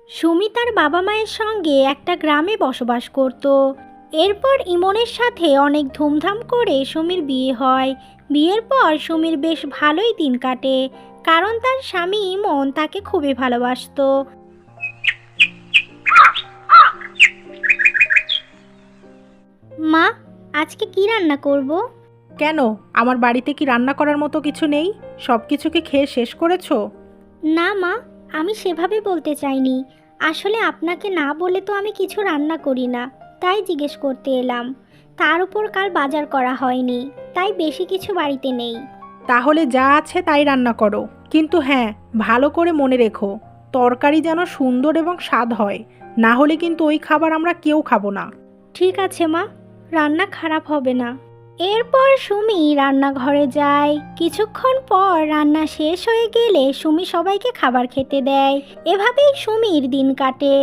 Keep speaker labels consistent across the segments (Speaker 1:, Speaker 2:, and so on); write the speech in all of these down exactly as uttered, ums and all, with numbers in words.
Speaker 1: সুমি তার বাবা মায়ের সঙ্গে একটা গ্রামে বসবাস করত। এরপর ইমনের সাথে অনেক ধুমধাম করে সুমির বিয়ে হয়। বিয়ের পর সুমির বেশ ভালোই দিন কাটে, কারণ তার স্বামী ইমন তাকে খুবই ভালোবাসতো। মা, আজকে কি রান্না করব?
Speaker 2: কেন, আমার বাড়িতে কি রান্না করার মতো কিছু নেই? সব কিছু কি খেয়ে শেষ করেছো?
Speaker 1: না মা, আমি সেভাবে বলতে চাইনি। আসলে আপনাকে না বলে তো আমি কিছু রান্না করি না, তাই জিজ্ঞেস করতে এলাম। তার উপর কাল বাজার করা হয়নি, তাই বেশি কিছু বাড়িতে নেই।
Speaker 2: তাহলে যা আছে তাই রান্না করো, কিন্তু হ্যাঁ, ভালো করে মনে রেখো, তরকারি যেন সুন্দর এবং স্বাদ হয়, না হলে কিন্তু ওই খাবার আমরা কেউ খাবো না।
Speaker 1: ঠিক আছে মা, রান্না খারাপ হবে না। এরপর সুমি রান্নাঘরে যায়। কিছুক্ষণ পর রান্না শেষ হয়ে গেলে সুমি সবাইকে খাবার খেতে দেয়। এভাবেই সুমির দিন কাটে।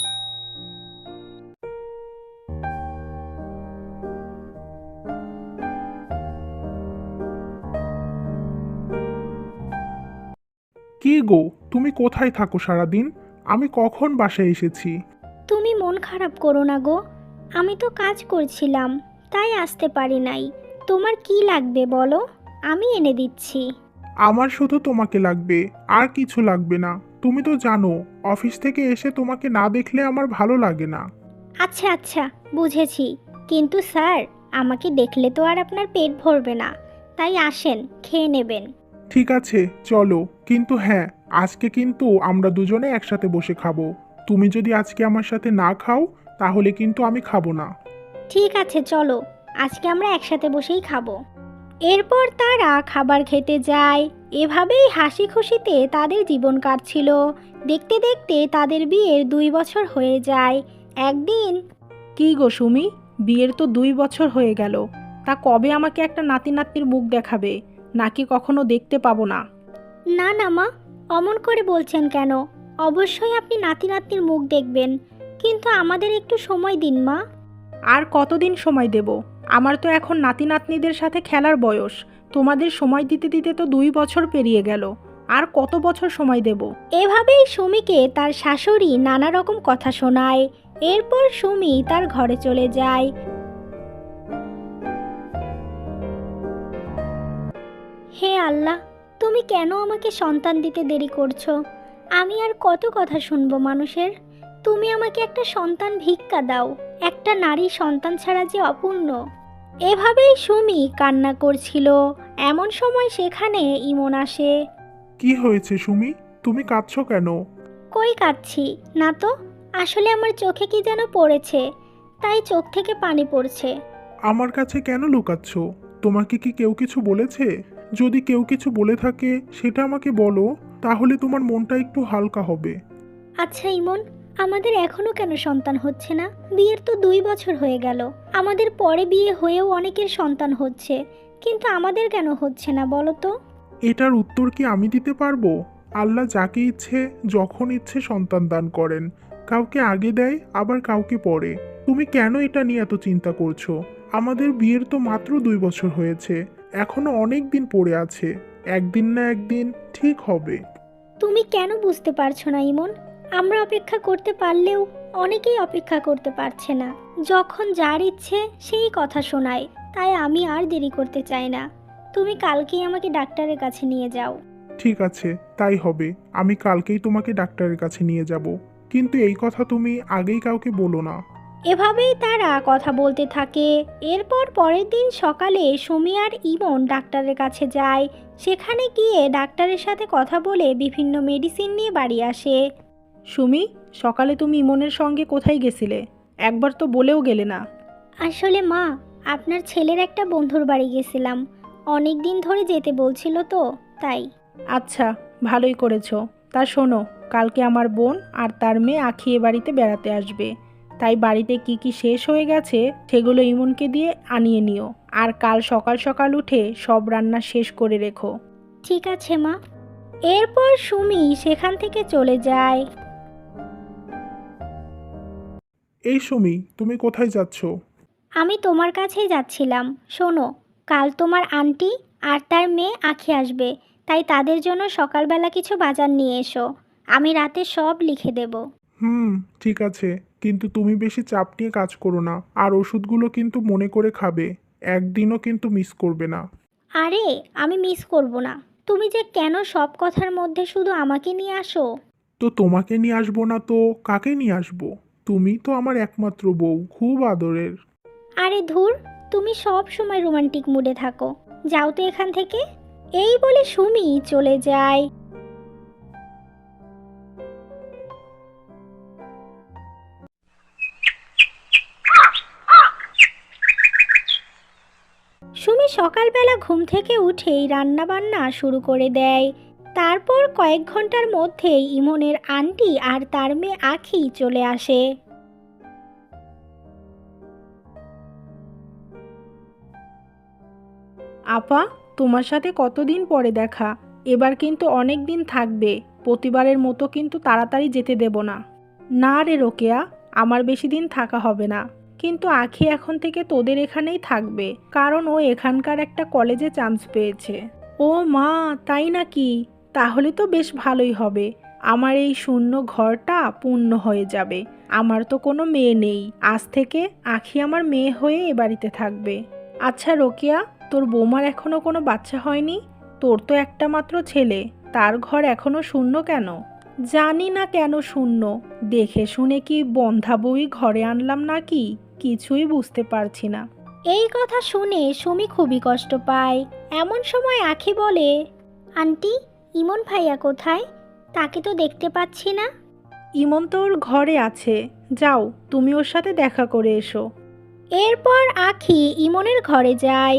Speaker 3: কি গো, তুমি কোথায় থাকো সারাদিন? আমি কখন বাসায় এসেছি।
Speaker 1: তুমি মন খারাপ করো না গো, আমি তো কাজ করছিলাম, তাই আসতে পারি নাই। তোমার কি লাগবে বলো, আমি এনে দিচ্ছি।
Speaker 3: আমার শুধু তোমাকে লাগবে, আর কিছু লাগবে না। তুমি তো জানো, অফিস থেকে এসে তোমাকে না দেখলে আমার ভালো লাগে না।
Speaker 1: আচ্ছা আচ্ছা, বুঝেছি। কিন্তু স্যার, আমাকে দেখলে তো আর আপনার পেট ভরবে না, তাই আসেন, খেয়ে নেবেন।
Speaker 3: ঠিক আছে, চলো। কিন্তু হ্যাঁ, আজকে কিন্তু আমরা দুজনে একসাথে বসে খাবো। তুমি যদি আজকে আমার সাথে না খাও, তাহলে কিন্তু আমি খাবো না।
Speaker 1: ঠিক আছে চলো, আজকে আমরা একসাথে বসেই খাবো। এরপর তারা খাবার খেতে যায়। এভাবেই হাসি খুশিতে তাদের জীবন কাটছিল। দেখতে দেখতে তাদের বিয়ের দুই বছর হয়ে যায়। একদিন,
Speaker 2: কি গো সুমি, বিয়ের তো দুই বছর হয়ে গেল, তা কবে আমাকে একটা নাতি নাতনির মুখ দেখাবে? নাকি কখনো দেখতে পাবো না?
Speaker 1: না না মা, অমন করে বলছেন কেন? অবশ্যই আপনি নাতি নাতনির মুখ দেখবেন, কিন্তু আমাদের একটু সময় দিন মা।
Speaker 2: আর কতদিন সময় দেব? আমার তো এখন নাতি নাতনিদের সাথে খেলার বয়স। তোমাদের সময় দিতে দিতে তো দুই বছর পেরিয়ে গেল। আর কত বছর সময় দেব?
Speaker 1: এভাবেই সুমিকে তার শাশুড়ি নানা রকম কথা শোনায়। এরপর সুমি তার ঘরে চলে যায়। হে আল্লাহ, তুমি কেন আমাকে সন্তান দিতে দেরি করছো? আমি আর কত কথা শুনবো মানুষের? তুমি আমাকে একটা সন্তান ভিক্ষা দাও। একটা নারী সন্তান ছাড়া যে অপূর্ণ। এভাবেই সুমি কান্না করছিল। এমন সময় সেখানে ইমন আসে।
Speaker 3: কি হয়েছে সুমি? তুমি কাঁদছো কেন?
Speaker 1: কই কাঁদছি না তো, আসলে আমার চোখে কি যেন পড়েছে, তাই চোখ থেকে পানি পড়ছে।
Speaker 3: আমার কাছে কেন লুকাচ্ছ? তোমাকে কি কেউ কিছু বলেছে? যদি কেউ কিছু বলে থাকে সেটা আমাকে বলো, তাহলে তোমার মনটা একটু হালকা হবে।
Speaker 1: আচ্ছা ইমন, আমাদের এখনো কেন সন্তান হচ্ছে না? বিয়ের তো দুই বছর হয়ে গেল। আমাদের পরে বিয়ে হয়েও অনেকের সন্তান হচ্ছে, কিন্তু আমাদের কেন হচ্ছে না বলো তো?
Speaker 3: এটার উত্তর কি আমি দিতে পারবো? আল্লাহ যাকে ইচ্ছে যখন ইচ্ছে সন্তান দান করেন। কাউকে আগে দেয়, আবার কাউকে পরে। তুমি কেন এটা নিয়ে এত চিন্তা করছো? আমাদের বিয়ের তো মাত্র দুই বছর হয়েছে, এখনো অনেক দিন পড়ে আছে। একদিন না একদিন ঠিক হবে।
Speaker 1: তুমি কেন বুঝতে পারছো না ইমন? আমরা অপেক্ষা করতে পারলেও অনেকেই অপেক্ষা করতে পারছে না। যখন যার ইচ্ছে সেই কথা শোনায়, তাই আমি আর দেরি করতে চাই না। তুমি কালকেই আমাকে ডাক্তারের কাছে নিয়ে যাও।
Speaker 3: ঠিক আছে, তাই হবে। আমি কালকেই তোমাকে ডাক্তারের কাছে নিয়ে যাব। কিন্তু এই কথা তুমি আগেই কাউকে বলো না।
Speaker 1: এভাবেই তারা কথা বলতে থাকে। এরপর পরের দিন সকালে সুমি আর ইমন ডাক্তারের কাছে যায়। সেখানে গিয়ে ডাক্তারের সাথে কথা বলে বিভিন্ন মেডিসিন নিয়ে বাড়ি আসে।
Speaker 2: সুমি, সকালে তুমি ইমনের সঙ্গে কোথায় গেছিলে? একবার তো বলেও গেলে না।
Speaker 1: আসলে মা, আপনার ছেলের একটা বন্ধুর বাড়ি গেছিলাম। অনেক দিন ধরে যেতে বলছিল তো, তাই।
Speaker 2: আচ্ছা, ভালোই করেছো। তা শোনো, কালকে আমার বোন আর তার মেয়ে আখি এ বাড়িতে বেড়াতে আসবে। তাই বাড়িতে কি কি শেষ হয়ে গেছে সেগুলো ইমনকে দিয়ে আনিয়ে নিও। আর কাল সকাল সকাল উঠে সব রান্না শেষ করে রেখো।
Speaker 1: ঠিক আছে মা। এরপর সুমি সেখান থেকে চলে যায়।
Speaker 3: এই সুমি, তুমি কোথায় যাচ্ছ?
Speaker 1: আমি তোমার কাছেই যাচ্ছিলাম। শোনো, কাল তোমার আন্টি আর তার মেয়ে আঁখি আসবে, তাই তাদের জন্য সকালবেলা কিছু বাজার নিয়ে এসো। আমি রাতে সব লিখে দেব।
Speaker 3: হুম, ঠিক আছে, কিন্তু তুমি বেশি চাপ নিয়ে কাজ করো না, আর ওষুধগুলো কিন্তু মনে করে খাবে, একদিনও কিন্তু মিস করবে না।
Speaker 1: আরে আমি মিস করব না। তুমি যে কেন সব কথার মধ্যে শুধু আমাকে নিয়ে আসো?
Speaker 3: তো তোমাকে নিয়ে আসবো না তো কাকে নিয়ে আসবো? তুমি তো আমার একমাত্র বউ, খুব আদরের।
Speaker 1: আরে ধুর, তুমি সব সময় রোমান্টিক মুডে থাকো। যাও তো এখান থেকে। এই বলে সুমি চলে যায়। সুমি সকালবেলা ঘুম থেকে উঠেই রান্না বান্না শুরু করে দেয়। তারপর কয়েক ঘন্টার মধ্যেই ইমনের আন্টি আর তার মেয়ে আখি চলে আসে।
Speaker 2: আপা, তোমার সাথে কতদিন পরে দেখা। এবার কিন্তু অনেক দিন থাকবে, প্রতিবারের মতো কিন্তু তাড়াতাড়ি যেতে দেব না। না রে রোকেয়া, আমার বেশি দিন থাকা হবে না, কিন্তু আখি এখন থেকে তোদের এখানেই থাকবে, কারণ ও এখানকার একটা কলেজে চান্স পেয়েছে। ও মা, তাই নাকি? তাহলে তো বেশ ভালোই হবে, আমার এই শূন্য ঘরটা পূর্ণ হয়ে যাবে। আমার তো কোনো মেয়ে নেই, আজ থেকে আখি আমার মেয়ে হয়ে এ বাড়িতে থাকবে। আচ্ছা রোকেয়া, তোর বৌমার এখনো কোনো বাচ্চা হয়নি? তোর তো একটা মাত্র ছেলে, তার ঘর এখনো শূন্য কেন? জানি না কেন শূন্য, দেখে শুনে কি বন্ধা বই ঘরে আনলাম নাকি, কিছুই বুঝতে পারছি না।
Speaker 1: এই কথা শুনে সুমি খুবই কষ্ট পায়। এমন সময় আখি বলে, আন্টি, ইমন ভাইয়া কোথায়? তাকে তো দেখতে পাচ্ছি না।
Speaker 2: ইমন তো ওর ঘরে আছে, যাও তুমি ওর সাথে দেখা করে এসো।
Speaker 1: এরপর আখি ইমনের ঘরে যায়।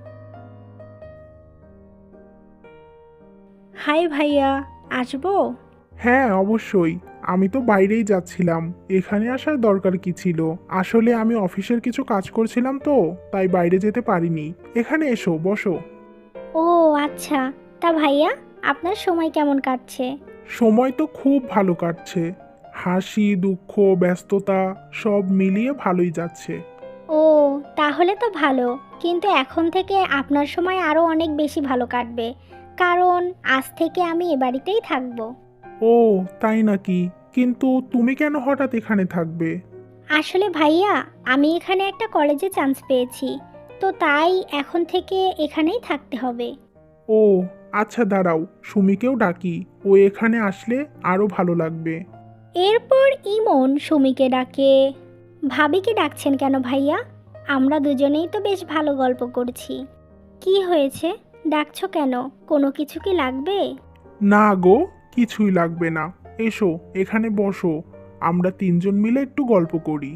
Speaker 1: হাই ভাইয়া, আসবো?
Speaker 3: হ্যাঁ, অবশ্যই। আমি তো বাইরেই যাচ্ছিলাম, এখানে আসার দরকার কি ছিল? আসলে আমি অফিসের কিছু কাজ করছিলাম তো, তাই বাইরে যেতে পারিনি। এখানে এসো, বসো।
Speaker 1: ও আচ্ছা, তা ভাইয়া আপনার সময় কেমন কাটছে?
Speaker 3: সময় তো খুব ভালো কাটছে, হাসি দুঃখ ব্যস্ততা সব মিলিয়ে ভালোই যাচ্ছে।
Speaker 1: ও তাহলে তো ভালো, কিন্তু এখন থেকে আপনার সময় আরও অনেক বেশি ভালো কাটবে, কারণ আজ থেকে আমি এ বাড়িতেই থাকবো।
Speaker 3: ও, তাই নাকি? কিন্তু তুমি কেন হঠাৎ এখানে থাকবে?
Speaker 1: আসলে ভাইয়া, আমি এখানে একটা কলেজে চান্স পেয়েছি, তো তাই এখন থেকে এখানেই থাকতে হবে।
Speaker 3: ও আচ্ছা, দাঁড়াও, সুমিকেও ডাকি, ও এখানে আসলে আরো ভালো লাগবে।
Speaker 1: এরপর ইমন সুমিকে ডাকে। ভাবিকে ডাকছেন কেন ভাইয়া? আমরা দুজনেই তো বেশ ভালো গল্প করছি। কি হয়েছে, ডাকছো কেন? কোনো কিছু কি লাগবে?
Speaker 3: না গো, কিছুই লাগবে না। এসো, এখানে বসো, আমরা তিনজন মিলে একটু গল্প করি।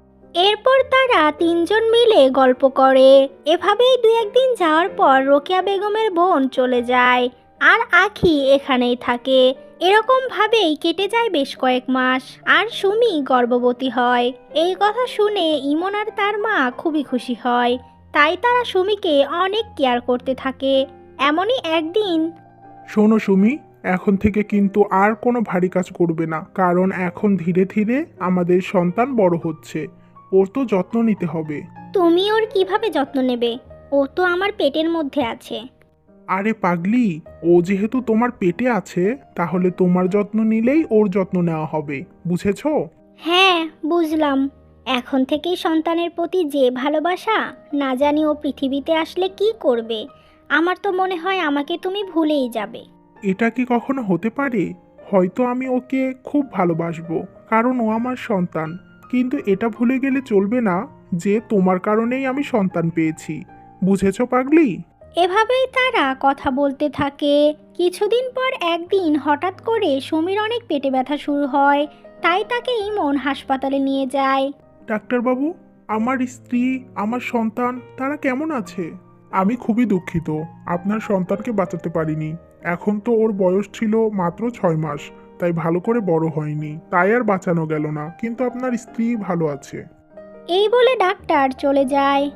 Speaker 1: এরপর তারা তিনজন মিলে গল্প করে। এভাবেই দু একদিন যাওয়ার পর রোকেয়া বেগমের বোন চলে যায়, আর আখি এখানেই থাকে। এরকম ভাবেই কেটে যায় বেশ কয়েক মাস, আর সুমি গর্ভবতী হয়। এই কথা শুনে ইমন আর তার মা খুবই খুশি হয়, তাই তারা সুমিকে অনেক কেয়ার করতে থাকে। এমনই একদিন,
Speaker 3: শোনো সুমি, এখন থেকে কিন্তু আর কোনো ভারী কাজ করবে না, কারণ এখন ধীরে ধীরে আমাদের সন্তান বড় হচ্ছে, ওর তো যত্ন নিতে হবে।
Speaker 1: তুমি ওর কিভাবে যত্ন নেবে? ও তো আমার পেটের মধ্যে আছে।
Speaker 3: আরে পাগলি, ও যেহেতু তোমার পেটে আছে, তাহলে তোমার যত্ন নিলেই ওর যত্ন নেওয়া হবে, বুঝেছো?
Speaker 1: হ্যাঁ, বুঝলাম। এখন থেকেই সন্তানের প্রতি যে ভালোবাসা, না জানি ও পৃথিবীতে আসলে কি করবে। আমার তো মনে হয় আমাকে তুমি ভুলেই যাবে।
Speaker 3: এটা কি কখনো হতে পারে? হয়তো আমি ওকে খুব ভালোবাসবো, কারণ ও আমার সন্তান, কিন্তু এটা ভুলে গেলে চলবে না যে তোমার কারণেই আমি সন্তান পেয়েছি, বুঝেছো পাগলি?
Speaker 1: এভাবেই তারা কথা বলতে থাকে। কিছুদিন পর একদিন হঠাৎ করে সুমির অনেক পেটে ব্যথা শুরু হয়, তাই তাকে ইমন হাসপাতালে নিয়ে যায়।
Speaker 3: ডাক্তারবাবু, আমার স্ত্রী, আমার সন্তান তারা কেমন আছে? আমি খুবই দুঃখিত, আপনার সন্তানকে বাঁচাতে পারিনি। এখন তো ওর বয়স ছিল মাত্র ছয় মাস, তাই ভালো করে বড় হয়নি, তাই আর বাঁচানো গেল না, কিন্তু আপনার স্ত্রী ভালো আছে।
Speaker 1: এই বলে ডাক্তার চলে যায়।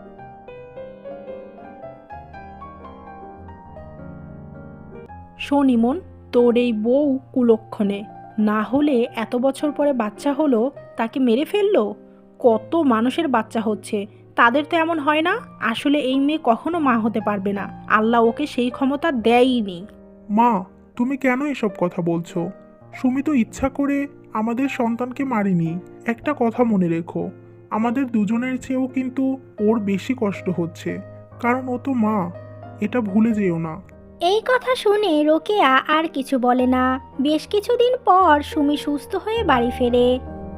Speaker 2: শোন ইমন, তোর এই বউ কুলক্ষণে, না হলে এত বছর পরে বাচ্চা হলো তাকে মেরে ফেললো। কত মানুষের বাচ্চা হচ্ছে, তাদের তো এমন হয় না। আসলে এই মেয়ে কখনো মা হতে পারবে না, আল্লাহ ওকে সেই ক্ষমতা দেয়ইনি।
Speaker 3: মা, তুমি কেন এসব কথা বলছো? সুমি তো ইচ্ছা করে আমাদের সন্তানকে মারেনি। একটা কথা মনে রেখো, আমাদের দুজনের চেয়েও কিন্তু ওর বেশি কষ্ট হচ্ছে, কারণ ও তো মা, এটা ভুলে যেও না।
Speaker 1: এই কথা শুনে রোকেয়া আর কিছু বলে না। বেশ কিছুদিন পর সুমি সুস্থ হয়ে বাড়ি ফেরে।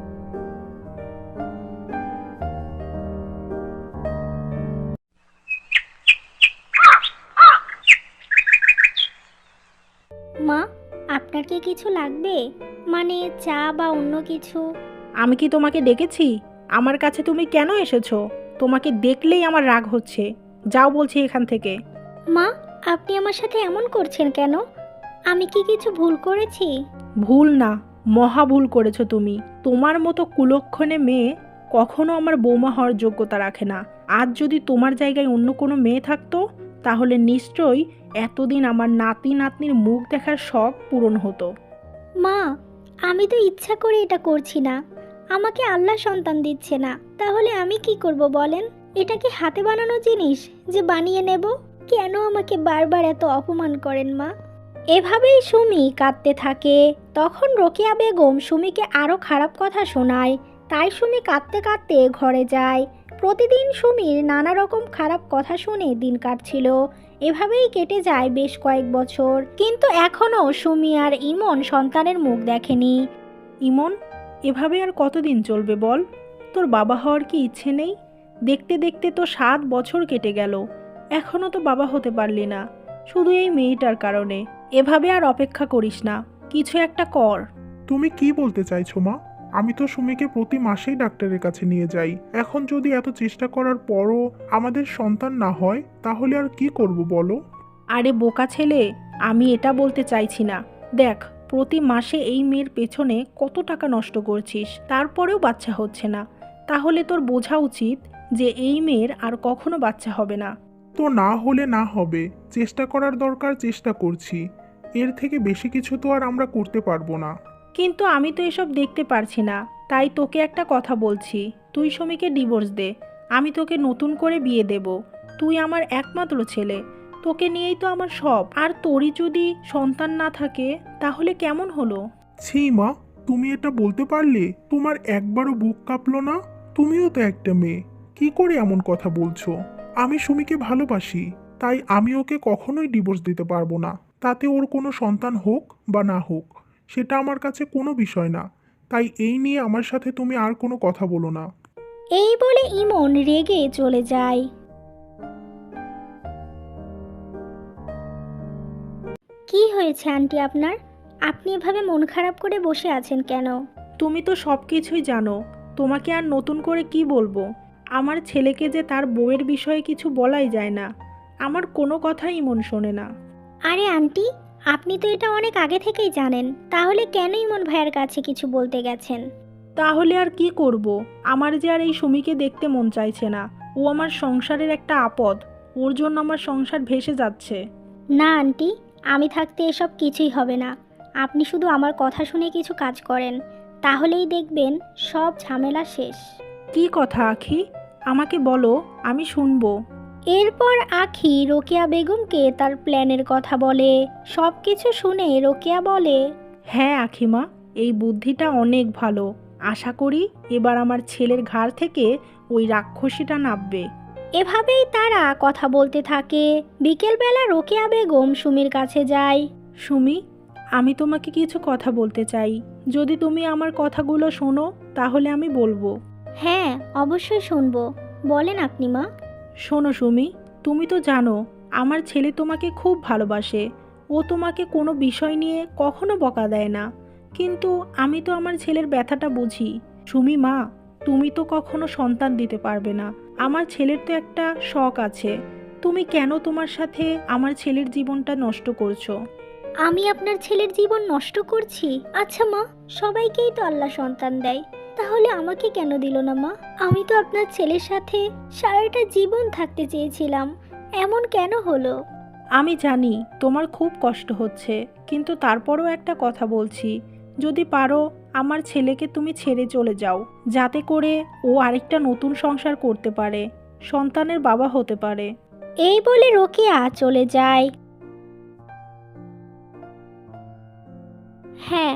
Speaker 1: মা, আপনার কি কিছু লাগবে? মানে চা বা অন্য কিছু?
Speaker 2: আমি কি তোমাকে ডেকেছি? আমার কাছে তুমি কেন এসেছো? তোমাকে দেখলেই আমার রাগ হচ্ছে। যাও বলছি এখান থেকে।
Speaker 1: মা, আপনি আমার সাথে এমন করছেন কেন? আমি কি কিছু ভুল করেছি?
Speaker 2: ভুল না, মহা ভুল করেছো তুমি। তোমার মতো কুলক্ষণে মেয়ে কখনো আমার বৌমা হওয়ার যোগ্যতা রাখে না। আজ যদি তোমার জায়গায় অন্য কোনো মেয়ে থাকতো, তাহলে নিশ্চয়ই এতদিন আমার নাতি নাতনির মুখ দেখার শখ পূরণ হতো।
Speaker 1: মা, আমি তো ইচ্ছা করে এটা করছি না। আমাকে আল্লাহ সন্তান দিচ্ছে না, তাহলে আমি কি করব বলেন? এটা কি হাতে বানানো জিনিস যে বানিয়ে নেব? কেন আমাকে বারবার এত অপমান করেন মা? এভাবেই সুমি কাঁদতে থাকে। তখন রোকেয়া বেগম সুমিকে আরও খারাপ কথা শোনায়। তাই সুমি কাঁদতে কাঁদতে ঘরে যায়। প্রতিদিন সুমির নানা রকম খারাপ কথা শুনে দিন কাটছিল। এভাবেই কেটে যায় বেশ কয়েক বছর। কিন্তু এখনও সুমি আর ইমন সন্তানের মুখ দেখেনি।
Speaker 2: ইমন, এভাবে আর কতদিন চলবে বল? তোর বাবা হওয়ার কি ইচ্ছে নেই? দেখতে দেখতে তো সাত বছর কেটে গেল, এখনো তো বাবা হতে পারলি না, শুধু এই মেয়েটার কারণে। এভাবে আর অপেক্ষা করিস না, কিছু একটা কর।
Speaker 3: তুমি কি বলতে চাইছো মা? আমি তো সুমিকে প্রতি মাসেই ডাক্তারের কাছে নিয়ে যাই। এখন যদি এত চেষ্টা করার পরও আমাদের সন্তান না হয়, তাহলে আর কি করব বলো?
Speaker 2: আরে বোকা ছেলে, আমি এটা বলতে চাইছি না। দেখ, প্রতি মাসে এই মেয়ের পেছনে কত টাকা নষ্ট করছিস, তারপরেও বাচ্চা হচ্ছে না। তাহলে তোর বোঝা উচিত যে এই মেয়ের আর কখনো বাচ্চা হবে না।
Speaker 3: তো না হলে না হবে, চেষ্টা করার দরকার, চেষ্টা করছি। এর থেকে বেশি কিছু তো আর আমরা করতে পারবো না।
Speaker 2: কিন্তু আমি তো এসব দেখতে পারছি না, তাই তোকে একটা কথা বলছি, তুই সুমিকে ডিভোর্স দে। আমি তোকে নতুন করে বিয়ে দেব। তুই আমার একমাত্র ছেলে, তোকে নিয়েই তো আমার সব। আর তোরই যদি সন্তান না থাকে তাহলে কেমন হলো?
Speaker 3: ছি মা, তুমি এটা বলতে পারলে? তোমার একবারও বুক কাঁপলো না? তুমিও তো একটা মেয়ে, কি করে এমন কথা বলছো? আমি সুমিকে ভালোবাসি, তাই আমি ওকে কখনোই ডিভোর্স দিতে পারবো না। তাতে ওর কোনো সন্তান হোক বা না হোক, সেটা আমার কাছে কোনো বিষয় না। তাই এই নিয়ে আমার সাথে তুমি আর কোনো কথা বলো না।
Speaker 1: এই বলে ইমন রেগে চলে যায়। কি হয়েছে আন্টি আপনার? আপনি এভাবে মন খারাপ করে বসে আছেন কেন?
Speaker 2: তুমি তো সব কিছুই জানো, তোমাকে আর নতুন করে কি বলবো? আমার ছেলেকে যে তার বউয়ের বিষয়ে কিছু বলাই যায় না, আমার কোনো কথাই মন শোনে না।
Speaker 1: আরে আন্টি, আপনি তো এটা অনেক আগে থেকেই জানেন, তাহলে কেন ইমন ভাইয়ের কাছে কিছু বলতে গেছেন?
Speaker 2: তাহলে আর কি করব? আমার যে আর এই সুমিকে দেখতে মন চাইছে না। ও আমার সংসারের একটা আপদ, ওর জন্য আমার সংসার ভেসে যাচ্ছে।
Speaker 1: না আন্টি, আমি থাকতে এসব কিছুই হবে না। আপনি শুধু আমার কথা শুনে কিছু কাজ করেন, তাহলেই দেখবেন সব ঝামেলা শেষ।
Speaker 2: কি কথা আখি? আমাকে বলো, আমি শুনবো।
Speaker 1: এরপর আখি রোকেয়া বেগমকে তার প্ল্যানের কথা বলে। সব কিছু শুনে রোকেয়া বলে,
Speaker 2: হ্যাঁ আখিমা, এই বুদ্ধিটা অনেক ভালো। আশা করি এবার আমার ছেলের ঘাড় থেকে ওই রাক্ষসীটা নাববে।
Speaker 1: এভাবেই তারা কথা বলতে থাকে। বিকেলবেলা রোকেয়া বেগম সুমির কাছে যায়।
Speaker 2: সুমি, আমি তোমাকে কিছু কথা বলতে চাই। যদি তুমি আমার কথাগুলো শোনো তাহলে আমি বলবো।
Speaker 1: হ্যাঁ, অবশ্যই শুনবো, বলেন আপনি মা।
Speaker 2: শোনো সুমি, তুমি তো জানো আমার ছেলে তোমাকে খুব ভালোবাসে। ও তোমাকে কোনো বিষয় নিয়ে কখনো বকা দেয় না, কিন্তু আমি তো আমার ছেলের ব্যথাটা বুঝি। সুমি মা, তুমি তো কখনো সন্তান দিতে পারবে না। আমার ছেলের তো একটা শখ আছে। তুমি কেন তোমার সাথে আমার ছেলের জীবনটা নষ্ট করছো?
Speaker 1: আমি আপনার ছেলের জীবন নষ্ট করছি? আচ্ছা মা, সবাইকেই তো আল্লাহ সন্তান দেয়, তাহলে আমাকে কেন দিল না মা? আমি তো আপনার ছেলের সাথে সারাটা জীবন থাকতে চেয়েছিলাম, এমন কেন হলো?
Speaker 2: আমি জানি তোমার খুব কষ্ট হচ্ছে, কিন্তু তারপরও একটা কথা বলছি, যদি পারো আমার ছেলেকে তুমি ছেড়ে চলে যাও, যাতে করে ও আরেকটা নতুন সংসার করতে পারে, সন্তানের বাবা হতে পারে।
Speaker 1: এই বলে রোকেয়া চলে যায়। হ্যাঁ,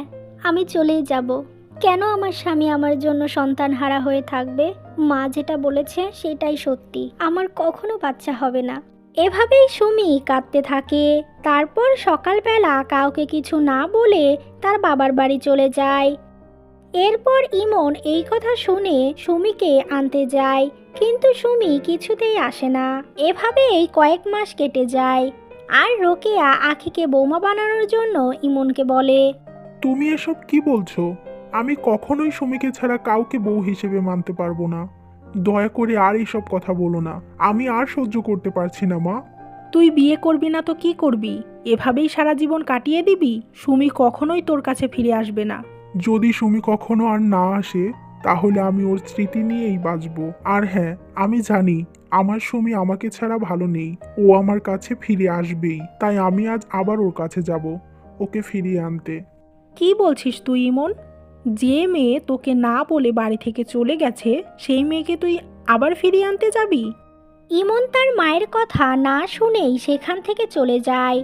Speaker 1: আমি চলেই যাব। কেন আমার স্বামী আমার জন্য সন্তানহারা হয়ে থাকবে? মা যেটা বলেছে সেটাই সত্যি, আমার কখনো বাচ্চা হবে না। এভাবেই সুমি কাঁদতে থাকে। তারপর সকালবেলা কাউকে কিছু না বলে তার বাবার বাড়ি চলে যায়। এরপর ইমন এই কথা শুনে সুমিকে আনতে যায়, কিন্তু সুমি কিছুতেই আসে না। এভাবেই কয়েক মাস কেটে যায়। আর রোকেয়া আখিকে বৌমা বানানোর জন্য ইমনকে বলে,
Speaker 3: তুমি এসব কি বলছো? আমি কখনোই সুমিকে ছাড়া কাউকে বউ হিসেবে মানতে পারবো না। দয়া করে আর এইসব কথা বলো না, আমি আর সহ্য করতে পারছি না মা।
Speaker 2: তুই বিয়ে করবি না তো কি করবি? এভাবেই সারা জীবন কাটিয়ে দিবি? সুমি কখনোই তোর কাছে ফিরে আসবে না।
Speaker 3: যদি সুমি কখনো আর না আসে তাহলে আমি ওর স্মৃতি নিয়েই বাঁচবো। আর হ্যাঁ, আমি জানি আমার সুমি আমাকে ছাড়া ভালো নেই, ও আমার কাছে ফিরে আসবেই। তাই আমি আজ আবার ওর কাছে যাব ওকে ফিরিয়ে আনতে।
Speaker 2: কি বলছিস তুই ইমন? যে মেয়ে তোকে না বলে বাড়ি থেকে চলে গেছে সেই মেয়েকে তুই আবার ফিরিয়ে আনতে যাবি?
Speaker 1: ইমন তার মায়ের কথা না শুনেই সেখান থেকে চলে যায়।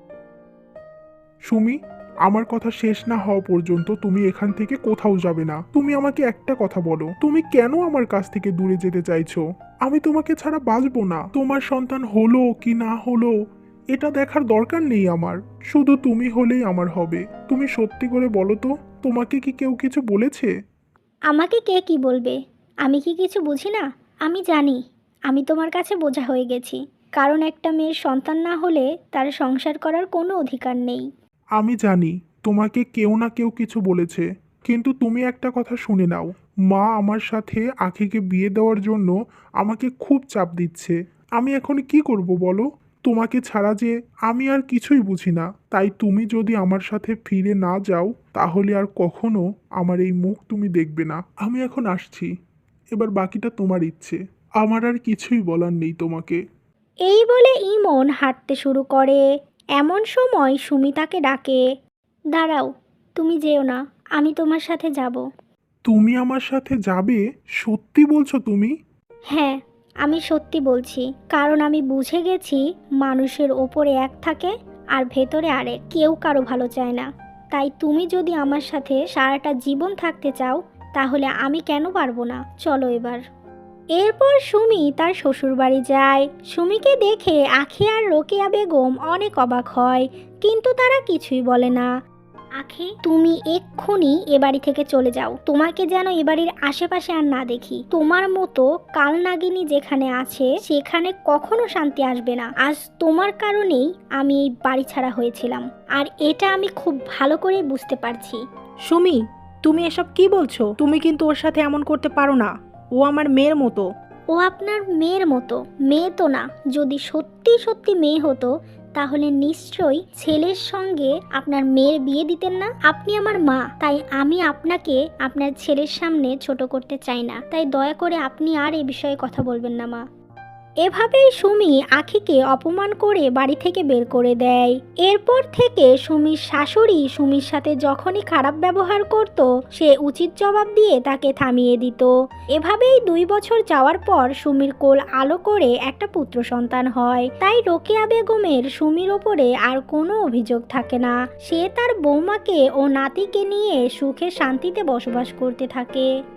Speaker 3: সুমি, আমার কথা শেষ না হওয়া পর্যন্ত তুমি এখান থেকে কোথাও যাবে না। তুমি আমাকে একটা কথা বলো, তুমি কেন আমার কাছ থেকে দূরে যেতে চাইছো? আমি তোমাকে ছাড়া বাঁচবো না। তোমার সন্তান হলো কি না হলো এটা দেখার দরকার নেই আমার, শুধু তুমি হলেই আমার হবে। তুমি সত্যি করে বলো তো, তোমাকে কি কেউ কিছু বলেছে?
Speaker 1: আমাকে কে কি বলবে? আমি কি কিছু বুঝি না? আমি জানি আমি তোমার কাছে বোঝা হয়ে গেছি, কারণ একটা মেয়ের সন্তান না হলে তার সংসার করার কোনো অধিকার নেই।
Speaker 3: আমি জানি তোমাকে কেউ না কেউ কিছু বলেছে, কিন্তু তুমি একটা কথা শুনে নাও। মা আমার সাথে আখিকে বিয়ে দেওয়ার জন্য আমাকে খুব চাপ দিচ্ছে। আমি এখন কি করব বলো? তোমাকে ছাড়া যে আমি আর কিছুই বুঝি না। তাই তুমি যদি আমার সাথে ফিরে না যাও তাহলে আর কখনো আমার এই মুখ তুমি দেখবে না। আমি এখন আসছি, এবার বাকিটা তোমার ইচ্ছে। আমার আর কিছুই বলার নেই তোমাকে।
Speaker 1: এই বলে ইমন হাঁটতে শুরু করে। এমন সময় সুমি তাকে ডাকে, দাঁড়াও, তুমি যেও না, আমি তোমার সাথে যাব।
Speaker 3: তুমি আমার সাথে যাবে? সত্যি বলছো তুমি?
Speaker 1: হ্যাঁ, আমি সত্যি বলছি, কারণ আমি বুঝে গেছি মানুষের ওপরে এক থাকে আর ভেতরে আরেক। কেউ কারো ভালো চায় না। তাই তুমি যদি আমার সাথে সারাটা জীবন থাকতে চাও তাহলে আমি কেন পারবো না? চলো এবার। এরপর সুমি তার শ্বশুরবাড়ি যায়। সুমিকে দেখে আখি আর রোকেয়া বেগম অনেক অবাক হয়, কিন্তু তারা কিছুই বলে না। আখি, তুমি এক্ষুনি এ বাড়ি থেকে চলে যাও। তোমাকে যেন এ বাড়ির আশেপাশে আর না দেখি। তোমার মতো কালনাগিনী যেখানে আছে সেখানে কখনো শান্তি আসবে না। আজ তোমার কারণেই আমি এই বাড়ি ছাড়া হয়েছিলাম, আর এটা আমি খুব ভালো করে বুঝতে পারছি।
Speaker 2: সুমি, তুমি এসব কি বলছো? তুমি কিন্তু ওর সাথে এমন করতে পারো না। ও আমার মেয়ের মতো।
Speaker 1: ও আপনার মেয়ের মতো? মেয়ে তো না। যদি সত্যি সত্যি মেয়ে হতো তাহলে নিশ্চয়ই ছেলের সঙ্গে আপনার মেয়ের বিয়ে দিতেন না। আপনি আমার মা, তাই আমি আপনাকে আপনার ছেলের সামনে ছোট করতে চাই না। তাই দয়া করে আপনি আর এ বিষয়ে কথা বলবেন না মা। এভাবেই সুমি আখিকে অপমান করে বাড়ি থেকে বের করে দেয়। এরপর থেকে সুমির শাশুড়ি সুমির সাথে যখনই খারাপ ব্যবহার করত সে উচিত জবাব দিয়ে তাকে থামিয়ে দিত। এভাবেই দুই বছর যাওয়ার পর সুমির কোল আলো করে একটা পুত্র সন্তান হয়। তাই রোকেয়া বেগমের সুমির ওপরে আর কোনো অভিযোগ থাকে না। সে তার বৌমাকে ও নাতিকে নিয়ে সুখে শান্তিতে বসবাস করতে থাকে।